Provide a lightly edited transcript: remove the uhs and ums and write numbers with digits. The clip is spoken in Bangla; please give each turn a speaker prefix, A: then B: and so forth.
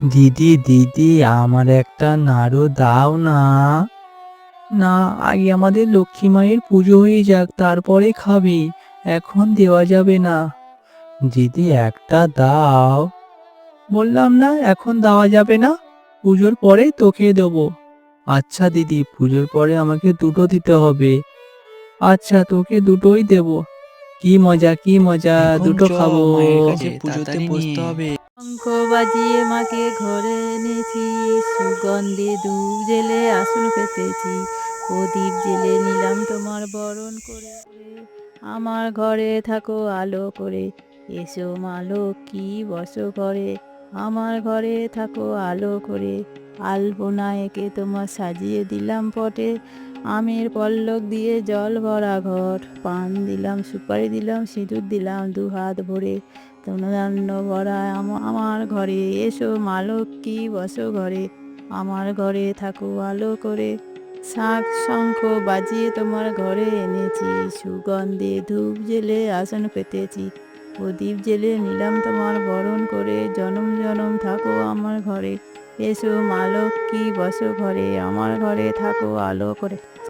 A: দিদি দিদি, আমার একটা নাড়ু দাও না। না, আগে আমাদের লক্ষ্মী মায়ের পুজো হয়ে যাক, তারপরে খাবি। এখন দেওয়া যাবে না। দিদি একটা দাও। বললাম না এখন দেওয়া যাবে না, পুজোর পরে তোকে দেবো। আচ্ছা দিদি, পুজোর পরে আমাকে দুটো দিতে হবে। আচ্ছা, তোকে দুটোই দেবো। কি মজা কি মজা,
B: এখন
A: দুটো
B: চ
A: খাবো।
B: মায়ের কাছে পুজোতে
C: তাড়াতাড়ি
B: বসতে
C: নিয়ে।
B: হবে।
D: শঙ্খ বাজিয়ে মাকে ঘরে এনেছি, সুগন্ধে ধূপ জেলে আসন পেতেছি, প্রদীপ জেলে নিলাম তোমার বরণ করে। আমার ঘরে থাকো আলো করে, এসো মা লক্ষ্মী বসো ঘরে। আমার ঘরে থাকো আলো করে, আলপনা এঁকে তোমার সাজিয়ে দিলাম পটে। আমের পল্লব দিয়ে জল ভরা ঘর, পান দিলাম সুপারি দিলাম সিঁদুর দিলাম দু হাত ভরে। তনুধান্য ভরা আমার ঘরে, এসো মা লক্ষ্মী বসো ঘরে। আমার ঘরে থাকো আলো করে, শাঁখ শঙ্খ বাজিয়ে তোমার ঘরে এনেছি, সুগন্ধে ধূপ জেলে আসন পেতেছি, প্রদীপ জেলে নিলাম তোমার বরণ করে। জনম জনম থাকো আমার ঘরে, এসো মা লক্ষ্মী বসো ঘরে। আমার ঘরে থাকো আলো করে।